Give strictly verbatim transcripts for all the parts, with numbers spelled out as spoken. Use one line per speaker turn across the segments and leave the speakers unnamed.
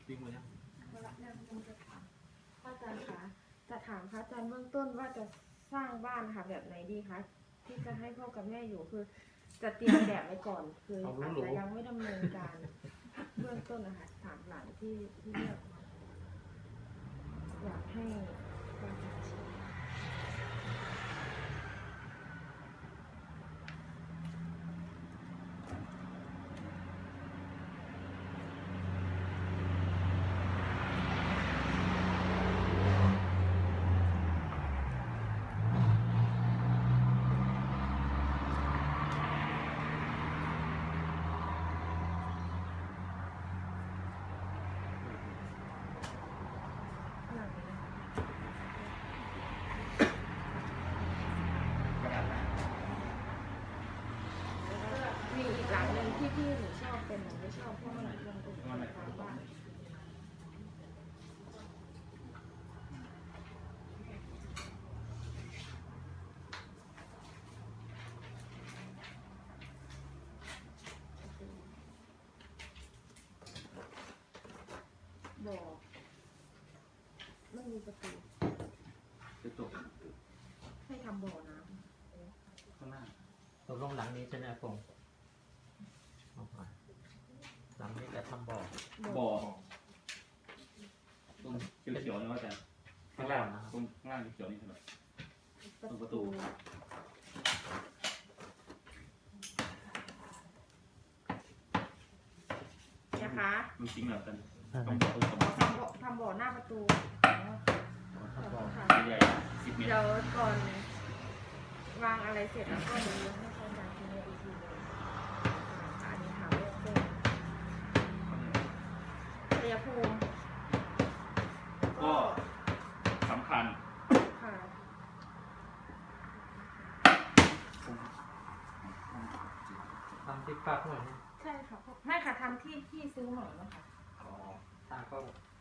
วิ่งมาแล้ว
พระอาจารย์จะถามพระอาจารย์คะจะถามพระอาจารย์เบื้องต้นว่าจะสร้างบ้านค่ะแบบไหนดีคะที่จะให้พ่อกับแม่อยู่คือจะเตรียมแบบไว้ก่อนคืออาจจะยังไม่ดำเนินการเบื้องต้นนะคะถามหลังที่ที่เลือกอยากให้การตัดสินมีอีกหลังหนึ่งที่พี่หนูชอบเป็นหนูไม่ชอบเพราะมันลงตรงกลางบ้านบ่อไม่มีประตู
จะตก
ให้ทำบ่อน้
ข้างหน้า
ตกลงหลังนี้ใช่ไหมครับผมหลังนี้จะทำบ่อ
ำ
บ่อตรงเขียวๆนี่ว่าแต่ข้างล่างตรงข้างล่างเขียวๆนี่ใช่ไหม ตรงประตู
นะคะ
มันจริงเหรอกัน
อ่า
ต้องบ่อตรง
ทำบ่อทำบ่อหน้าประตูค่ะ
ใหญ่สิบเมตร
เดี๋ยวก่อนวางอะไรเสร็จแล้วก็เดี๋ยวให้เขาจานทีนี้อีกทีหนึงอันนี้ถามเรื่องต้นชัยภูมิ
ก็สำคัญ
ค่ะ
ทำที่ปักหน่อยนี่
ใช่ค่ะไม่ค่ะทำที่ที่ซื้อใหม่นะคะ
อ๋อทางก็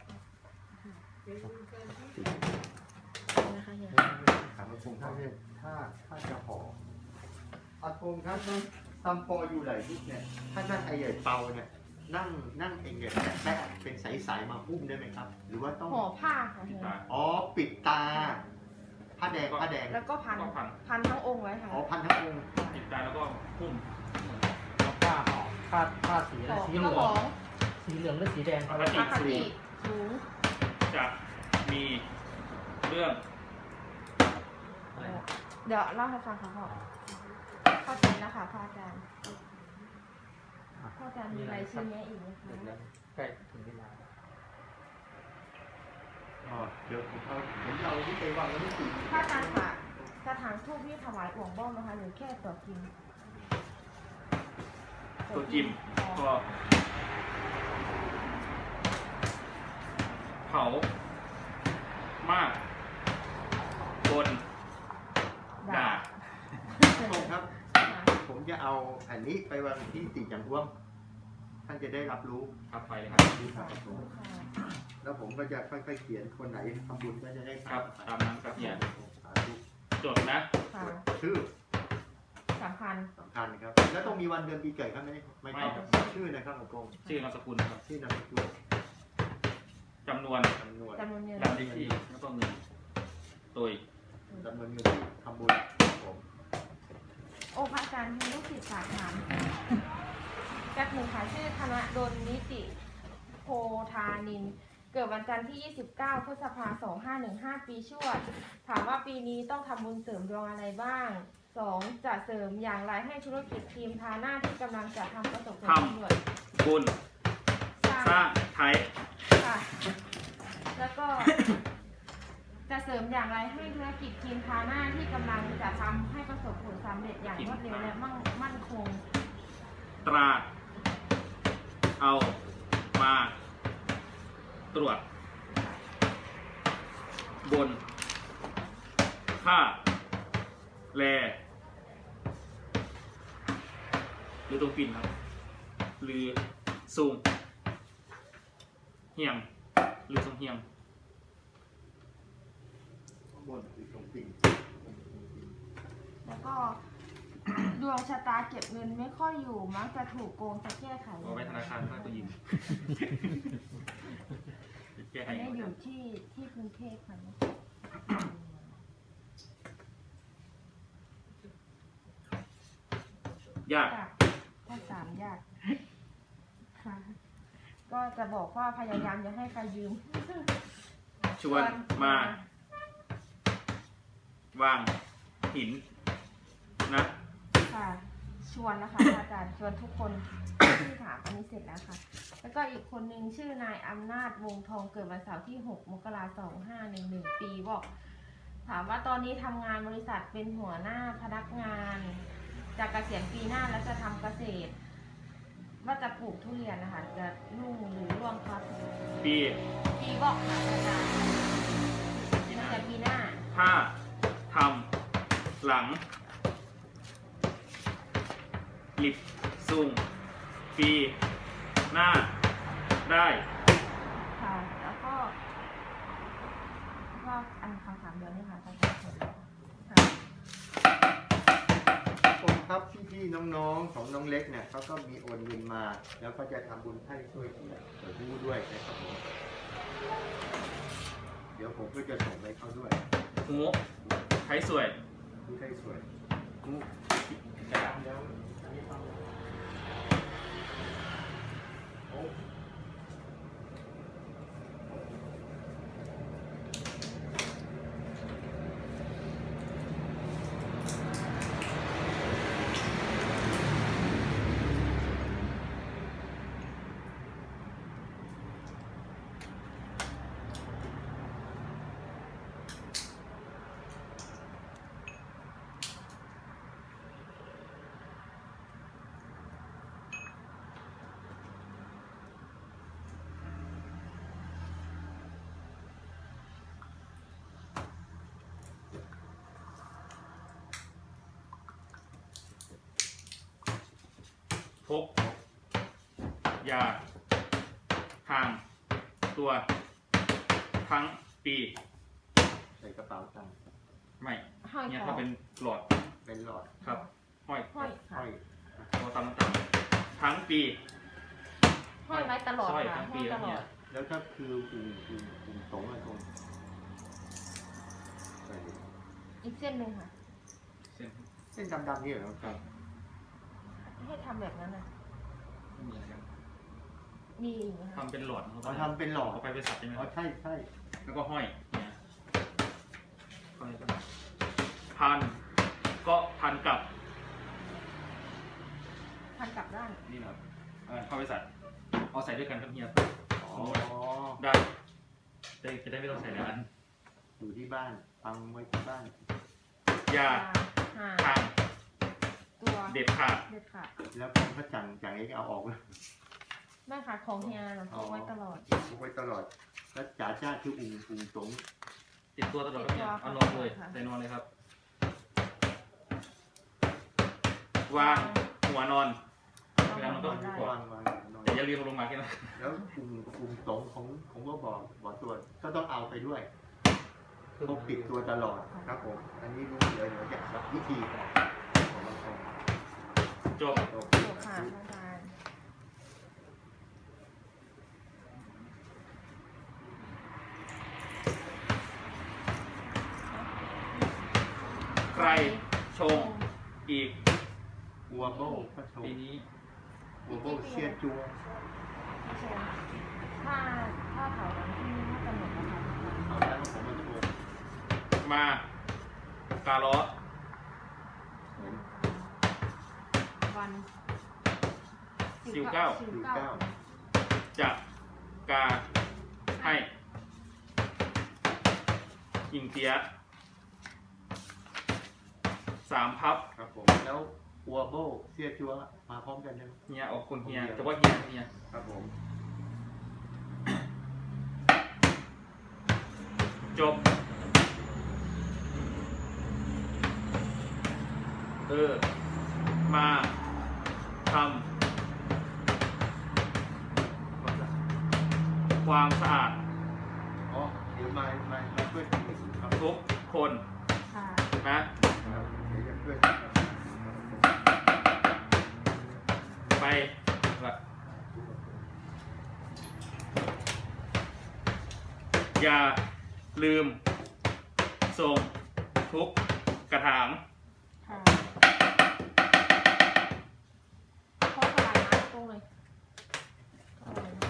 นะคะเฮีย
ถามอากงถ้าเนี่ยถ้าถ้าจะห่ออากงครับตำปออยู่ไหนทุกเนี่ยถ้านั่งไอใหญ่เปาเนี่ยนั่งนั่งเองเนี่ยแปะเป็นสายๆมาหุ้มได้ไหมครับ หรือว่าต้อง
ห่อผ้าค่ะเฮีย
อ๋อปิดตาผ้าแดงผ้าแดง
แล้วก็พัน
ก็พัน
พันทั้งองค์ไว้ค่ะ
อ๋อพันทั้งองค์
ติดตาแล้วก็พุ่ม
เอาผ้าห่อผ้าผ้าสีอะไร
ของ
สีเห
เจ้า
ลื
ข
อ
อง ง
สีเหลืองหรือสีแดง
ปกติ
ปกติสูง
จะมีเรื่อง
เดี๋ยวเล่าให้ฟังค่ะพ่อเข้าใจแล้วค่ะพระอาจารย์พระอาจารย์มีอะไรชี้แนะอีกไหมคะ
ใกล้ถึงเวลา
อ๋อเดี๋ยวผมเอาผมเอาที่ไปวางไว้ที่สี่
พระอาจารย์ค่ะกระถางทูบที่ถวายอ่วงบ้องนะคะหรือแค่ตัวกิน
ตัวจิมก็เผามากบนด่า
อากงครับ ผมจะเอาอันนี้ไปวางที่ตีจังหวงท่านจะได้รับรู้
ครับไปเลยครับ
ครับผมแล้วผมก็จะค่อยๆเขียนคนไหนทำบุญก็จะได้
ครับตามนั้นครับเนี่ย
สาธุ
จดนะ
ค่ะ
ชื่อ
สำคัญ
สำคัญครับ แล้วต้องมีวันเดือนปีเกิดครับไม่ไม่ต้องชื่อนะครับอากง
ชื่อนามสกุลครับ
ชื่อนามสกุล
จำนวน
จำนวน
จำนวนเงิน
บัตรเลขที่แล้วก็เงินตัว
จำนวนเงินที่ทำบุญครับผม
โอ้พระอาจารย์มีลูกศิษย์ฝากถามแป๊บหนึ่งค่ะชื่อธนดลนิติโพธานิน เกิดวันจันทร์ที่ ยี่สิบเก้า พฤษภาคม สองห้าหนึ่งห้า ปีชวด ถามว่าปีนี้ต้องทำบุญเสริมดวงอะไรบ้าง สอง จะเสริมอย่างไรให้ธุรกิจทีมทาหน้าที่กำลังจะทำประสบผลสำเร็จ
บุญ
สร้าง
สร้างไทย
ค่ะ แล้วก็ จะเสริมอย่างไรให้ธุรกิจทีมทาหน้าที่กำลังจะทำให้ประสบผลสำเร็จอย่างรวดเร็วและมั่งมั่นคง
ตราเอามาตรวจ บน ค่า แล หรือตรงปิ่นครับ หรือสูงเฮียง หรือทรงเฮียง
ข้างบนคือตรงปิ่ง
แล้วก็ ดวงชะตาเก็บเงินไม่ค่อยอยู่มักจะถูกโกงจะแก้ไข
เอาไว้ธนาคารมากกว่ายิง
เทพค่ะ
ยาก
ยากข้อสามยากค่ะก็จะบอกว่าพยายามจะให้ใครยืม
ชวนมา วางหินนะ
ค่ะ ชวนนะคะอาจารย์ชวนทุกคนที่ถามอันนี้เสร็จแล้วค่ะ แล้วก็อีกคนนึงชื่อนายอำนาจวงทองเกิดวันเสาร์ที่หกมกราคมสองห้าหนึ่งหนึ่งปีบอก ถามว่าตอนนี้ทำงานบริษัทเป็นหัวหน้าพนักงานจากเกษียณปีหน้าแล้วจะทำเกษตร ว่าจะปลูกทุเรียนนะคะจะรุ่งหรือร่วงครับ
ปี
ปีบอกค่ะอาจารย์น่าจะปีหน้า
ถ้าทำหลังหลิบซุงปีหน้าได้
ค่ะ แล้วก็ก็อันคำถามเดียวนี่ค่ะอาจารย์ค่ะ
ผมครับพี่ๆน้องๆของน้องเล็กเนี่ยเขาก็มีโอนเงินมา แล้วก็จะทำบุญให้ช่วยที่เปิดรู้ด้วยนะครับผมเดี๋ยวผมก็จะส่งไปเขาด้วย
หูไทยสวย
ดูได้สวย
หู
แล้วอันนี้ฟัง
โอ้
พกยาทางตัว ทั้งปี
ใส่กระเป๋าตังค์
ไม่
ห้อย
เนี่ย
คอ
ถ้าเป็นหลอด
เป็นหลอด
ครับ ห้อย
ห้อยค่ะ
ห้อย
เราตำตำทั้งปี
ห้อยไว้ตลอด
สร้อย
ค่ะ
ทั้ง
ห้
ปี
อยต
แล้ว
ล
เนี่
อย ด
แล้วก็คือกลุ่มกลุ่มกลุ่มสงฆ์อะตรงใส่
อีกเส้นหนึ่งค่ะ
เส้น
เส้นดำๆนี่เหรอครับ
ให้ทำแบบนั้นนะ
ไม่มีอะไรครับ
มีอีกไหมคะ
ทำเป็นหลอดเขา
เขาทำเป็นหลอด
เอาไปไปสับใช่ไหมค
อ๋อ
รับ
ใช่ใช่
แล้วก็ห้อยเนี่ยห้อยกันพันก็พันกับ
พันกลับด้าน
นี่นะครับเออเข้าไปใส่เอาใส่ด้วยกันครับเฮีย
อ๋อ
ได้จะจะได้ไม่ต้องใส่หลายอัน
อยู่ที่บ้านฟังไว้ที่บ้าน
ยา
ห่า
ทาง
ตัว
เด็ดขาด
เด็ดขาด
แล้วผมก็จังจังเองเอาออกเลย
แม่ค่ะของเฮียเราพกไว้ตลอด
พกไว้ตลอด แล้วจ่าจ้าคืออุ้งอุ้งสงฆ์
ติดตัวตลอดครับเนี่ย
ติดตัว
เอานอนเลย
ค่ะ
ใส่นอนเลยครับ วางหัวนอน เวลามันต้อง
ได้
วางวางนอน
แต่อย่าลืมเอาลงมาแค่นั้น
แล้วอุ้งอุ้งสงฆ์ของของว่าบอกบอกตัวก็ต้องเอาไปด้วยพกติดตัวตลอดครับผม อันนี้รู้เดี๋ยวเดี๋ยวจะสับวิธีของบางคน
จบ
โอเค
จบค่ะอาจารย์
ใครชงอีก
วัวโบก็โช
ปี
ว์
นี้
วัวโบเชียจัว
พี่ชมถ้าถ้าเผาวันที่นี่น่าจะหมดแล้วค่ะ
เอาแล้วผมมาโชว์
มาการล้อ
เหมือน
วัน
สิบเก้า
สิบเก้า
จะกาให้ยิงเตียะสามพับ
ครับผม แล้ววัวโบเชียจัวมาพร้อมกันนะ
เฮียออกคนเฮียแต่ว่าเฮียเฮีย
ครับผม
จบ เออ มาทำความสะอาด
อ๋อ เดี๋ยวมา มา มาช่วยกันครับ
ทุกคน
ค่ะ
นะ
ครับเดี๋ยวจะช่วยกันครับ
ไปละอย่าลืมส่งทุกกระถาง
ค่ะข้อทลายนะตรงเลยเอาเลยนะ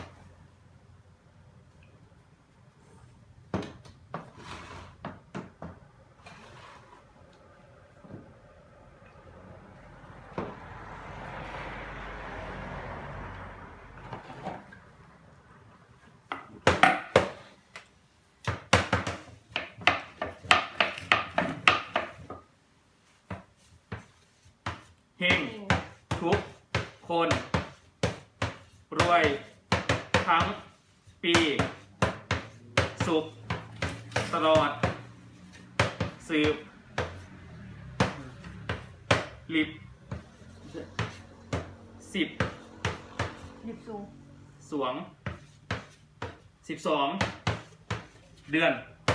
เฮงทุกคน รวยทั้งปี สุขตลอด สืบลิบสิบ
หยิบสูง
สวงสิบสองเดือน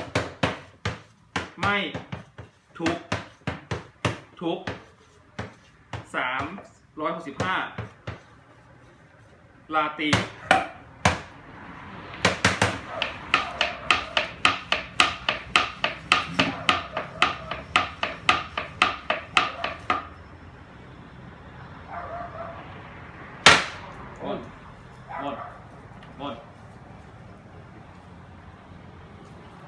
ไม่ทุกทุกสามร้อยหกสิบห้าลาตีโอ้